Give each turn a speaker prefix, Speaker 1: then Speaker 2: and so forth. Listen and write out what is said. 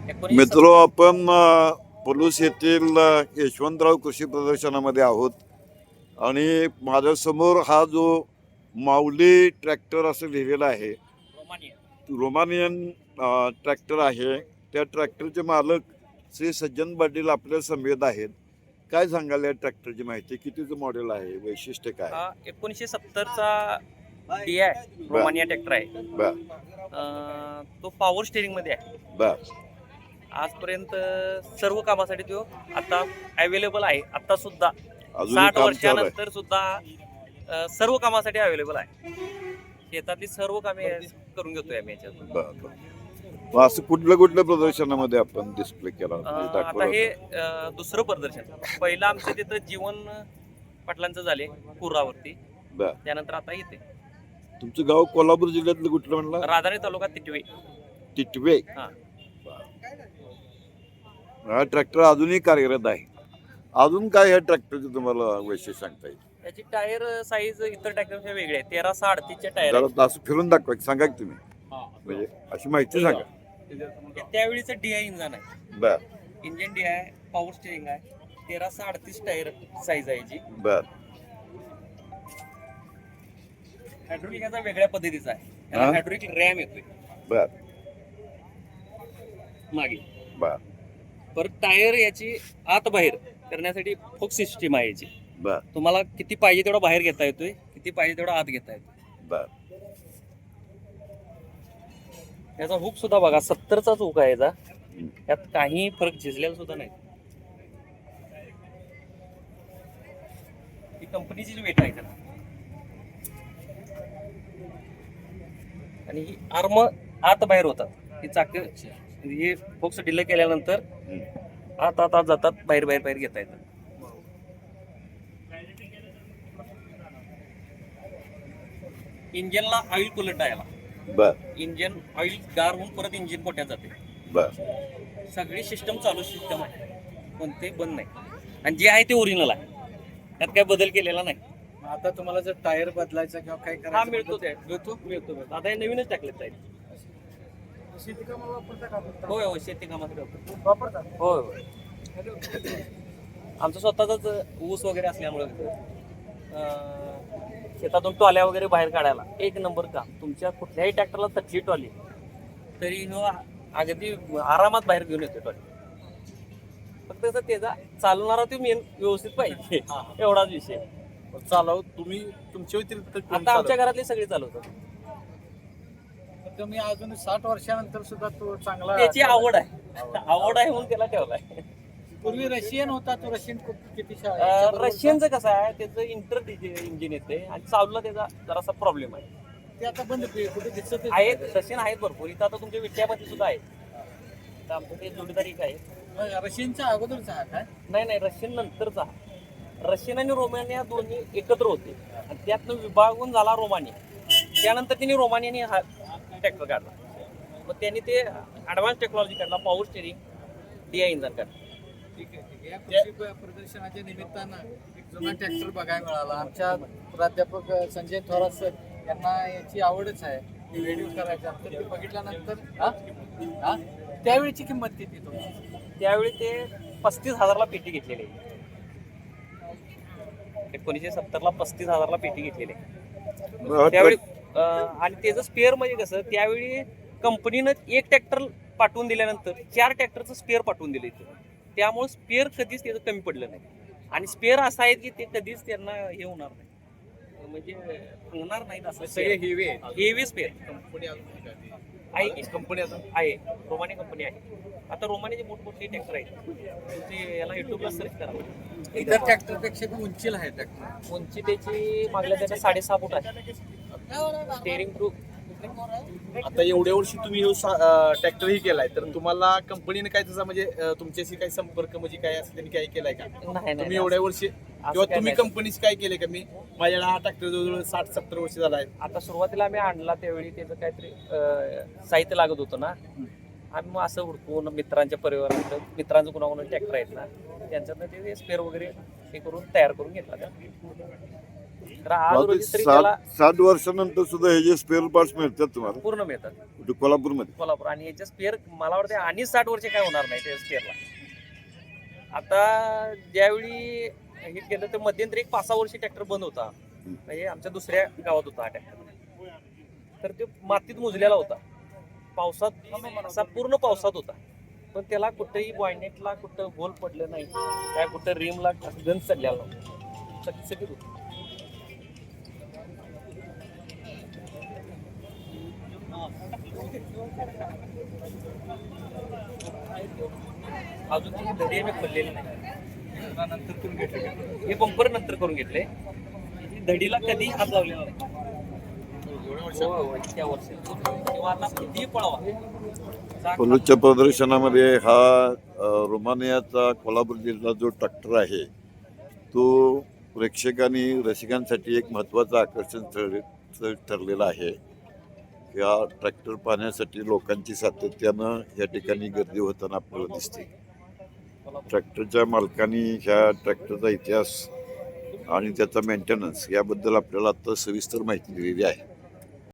Speaker 1: मित्रो, आपण पलूस येथील यशवंतराव कृषी प्रदर्शनामध्ये आहोत आणि माझ्यासमोर हा जो माऊली ट्रॅक्टर असं लिहिलेला आहे, रोमानियन ट्रॅक्टर आहे. त्या ट्रॅक्टरचे मालक श्री सज्जन पाटील आपल्या समेत आहेत. काय सांगाल या ट्रॅक्टरची माहिती? कितीचं मॉडेल आहे, वैशिष्ट्य काय?
Speaker 2: 1970चा DI रोमानिया ट्रॅक्टर आहे. तो पॉवर स्टेरिंग मध्ये आहे. आजपर्यंत सर्व कामासाठी तो आता अवेलेबल आहे. आता सुद्धा 60 वर्षानंतर सुद्धा सर्व कामासाठी अवेलेबल आहे. शेतातली सर्व कामे करून घेतोय आम्ही याच्यात.
Speaker 1: असं कुठल्या प्रदर्शनामध्ये आपण डिस्प्ले केला?
Speaker 2: आता हे दुसरं प्रदर्शन. पहिलं आमचं तिथं जीवन पाटलांचं झाले पुरावरती, त्यानंतर आता इथे.
Speaker 1: तुमचं गाव कोल्हापूर जिल्ह्यातलं कुठलं म्हणलं?
Speaker 2: राधानगरी तालुका तिटवे.
Speaker 1: तिटवे. हा ट्रॅक्टर अजूनही कार्यरत आहे. अजून काय या ट्रॅक्टरचं तुम्हाला वैशिष्ट्य सांगता येईल?
Speaker 2: याची टायर साईज इतर ट्रॅक्टरच्या वेगळी आहे. 1338 टायर.
Speaker 1: असं फिरून दाखवा, सांगा की तुम्ही, म्हणजे अशी माहिती सांगा.
Speaker 2: त्यावेळीचं DI इंजन आहे. इंजन DI पॉवर स्टेरिंग आहे. 1338 टायर साईज आहे याची. हायड्रोलिक याचा वेगळ्या पद्धतीचा आहे. हायड्रोलिक रॅम येतोय मागे. परत टायर याची आत बाहेर करण्यासाठी फोक सिस्टीम आहे याची. तुम्हाला किती पाहिजे तेवढा बाहेर घेता येतोय, किती पाहिजे तेवढा आत घेता येतोय. याचा हुक सुद्धा बघा, 70चाच हुक आहे याचा. यात काही फरक झिजलेला सुद्धा नाही. ही कंपनीची वेट आहे त्याला. आणि ही आर्म आत बाहेर होतात. ही चाक हे फोक्स डिले केल्यानंतर आत आत जातात, बाहेर बाहेर बाहेर घेता येतात. इंजिनला ऑइल कुलट आहे याला. इंजिन ऑइल गार होऊन परत इंजिन पोट्यात जाते. सगळी सिस्टम चालू सिस्टम आहे, कोणते बंद नाही. आणि जे आहे ते ओरिजिनल आहे, त्यात काही बदल केलेला नाही.
Speaker 3: आता तुम्हाला जर टायर बदलायचा किंवा काय
Speaker 2: हा मिळतो. आता हे नवीनच टाकले टायर.
Speaker 3: शेती कामाला वापरता का?
Speaker 2: होय होय, शेती कामासाठी
Speaker 3: वापरता.
Speaker 2: होय होय. आमचं स्वतःच ऊस वगैरे असल्यामुळे शेतातून टॉल्या वगैरे बाहेर काढायला एक नंबर काम. तुमच्या कुठल्याही ट्रॅक्टरला तटली टॉली तरी अगदी आरामात बाहेर घेऊन येतो टॉली. फक्त त्याचा चालवणारा तो मेन व्यवस्थित पाहिजे, एवढाच विषय.
Speaker 3: चालव तुम्ही तुमच्या व्यतिरिक्त
Speaker 2: आता आमच्या घरातले सगळे चालवतात.
Speaker 3: तुम्ही अजून 60 वर्षानंतर सुद्धा तो चांगला.
Speaker 2: त्याची आवड आहे म्हणून त्याला ठेवलाय.
Speaker 3: पूर्वी रशियन होता तो. रशियन किती
Speaker 2: रशियनचं कसं आहे, त्याचं इंटर इंजिन येते आणि चालवलं त्याचा जरासा प्रॉब्लेम आहे.
Speaker 3: ते आता बंद कुठे दिसत
Speaker 2: आहेत. रशियन आहेत भरपूर. इथं आता तुमच्या विट्यामध्ये सुद्धा आहे. तर आमचं ते जोडीदारी काय
Speaker 3: रशियनच्या अगोदरचा हा काय?
Speaker 2: नाही, रशियन नंतरचा. रशियन आणि रोमानिया दोन्ही एकत्र होते आणि त्यातनं विभागून झाला रोमानिया. त्यानंतर त्यांनी रोमानियाने हा ट्रॅक्टर काढला. मग त्यांनी ते ॲडव्हान्स टेक्नॉलॉजी काढला, पॉवर स्टेरिंग DI इंजन काढला.
Speaker 3: ठीक आहे. या कृषी प्रदर्शनाच्या निमित्तानं एक जुना ट्रॅक्टर बघायला मिळाला. आमच्या प्राध्यापक संजय थोरात सर यांना याची आवडच आहे, व्हिडिओ करायचा. तर ते बघितल्यानंतर त्यावेळीची किंमत किती तुमची?
Speaker 2: त्यावेळी ते 35,000ला पेटी घेतलेली आहे. 1970ला 35,000ला पेटी घेतलेली आहे त्यावेळी. आणि त्याचं स्पेअर म्हणजे कसं, त्यावेळी कंपनीनं एक ट्रॅक्टर पाठवून दिल्यानंतर 4 ट्रॅक्टरचं स्पेअर पाठवून दिलं इथं. त्यामुळे स्पेअर कधीच त्याचं कमी पडलं नाही. आणि स्पेअर असं आहे की ते कधीच त्यांना हे होणार नाही, म्हणजे होणार नाहीत. असं
Speaker 3: सगळे
Speaker 2: हेवी स्पेअर
Speaker 3: कंपनी
Speaker 2: आहे की कंपनी अजून आहे. रोमानी कंपनी आहे. आता रोमानीचे मोठमोठे ट्रॅक्टर आहेत. ते याला युट्यूबला सर्च करा.
Speaker 3: इतर ट्रॅक्टरपेक्षा पण उंचीला आहे ट्रॅक्टर.
Speaker 2: उंची त्याची मागल्या त्याच्या 6.5 फूट आहे. Steering proof.
Speaker 4: आता एवढ्या वर्षी तुम्ही ट्रॅक्टरही केलाय, तर तुम्हाला कंपनीने काय त्याचा म्हणजे तुमच्याशी काही संपर्क म्हणजे काय असं त्यांनी काय केलाय का? तुम्ही एवढ्या वर्षी किंवा तुम्ही कंपनीशी काय केलंय का? मी माझ्याला हा ट्रॅक्टर जवळजवळ 60-70 वर्ष झाला आहे.
Speaker 2: आता सुरुवातीला आम्ही आणला त्यावेळी त्याचं काहीतरी साहित्य लागत होतं ना. आम्ही मग असं हुडकून मित्रांच्या परिवारात, मित्रांचं कुणाकुणा ट्रॅक्टर आहेत ना, त्यांच्यातनं ते स्पेअर वगैरे हे करून तयार करून घेतला. तर आज रोजी तरी
Speaker 1: सात
Speaker 2: त्याला
Speaker 1: 7 वर्षानंतर सुद्धा हे जे स्पेअर पार्ट्स मिळतात तुम्हाला
Speaker 2: पूर्ण मिळतात
Speaker 1: कुठे कोल्हापूरमध्ये?
Speaker 2: कोल्हापूर. आणि याच्या स्पेअर मला वाटतं आणि 60 वर्ष काय होणार नाही त्या स्पेअरला. आता ज्यावेळी हे केलं तर मध्यंतरी एक 5-6 वर्ष ट्रॅक्टर बंद होता. म्हणजे आमच्या दुसऱ्या गावात होता हा ट्रॅक्टर. तर तो मातीत मुजलेला होता, पावसात असा पूर्ण पावसात होता. पण त्याला कुठेही बॉयनेटला कुठं होल पडलं नाही, काय कुठं रिमला गंज चढलेला नव्हता, चकचकीत होतं. अजून ती धडी आम्ही खोललेली नाही, नंतर करून घेतले. हे बंपर नंतर करून घेतले. ही धडीला कधी हात लावलेला नाही. इतक्या वर्षी किंवा आता कितीही पळावा.
Speaker 1: पलूसच्या प्रदर्शनामध्ये हा रोमानियाचा कोल्हापूर जिल्हा जो ट्रॅक्टर आहे तो प्रेक्षकांनी रसिकांसाठी एक महत्त्वाचं आकर्षण ठरलेला आहे. या ट्रॅक्टर पाहण्यासाठी लोकांची सातत्यानं या ठिकाणी गर्दी होताना आपल्याला दिसते. ट्रॅक्टरच्या मालकांनी ह्या ट्रॅक्टरचा इतिहास आणि त्याचा मेंटेनन्स याबद्दल आपल्याला आता सविस्तर माहिती दिलेली आहे.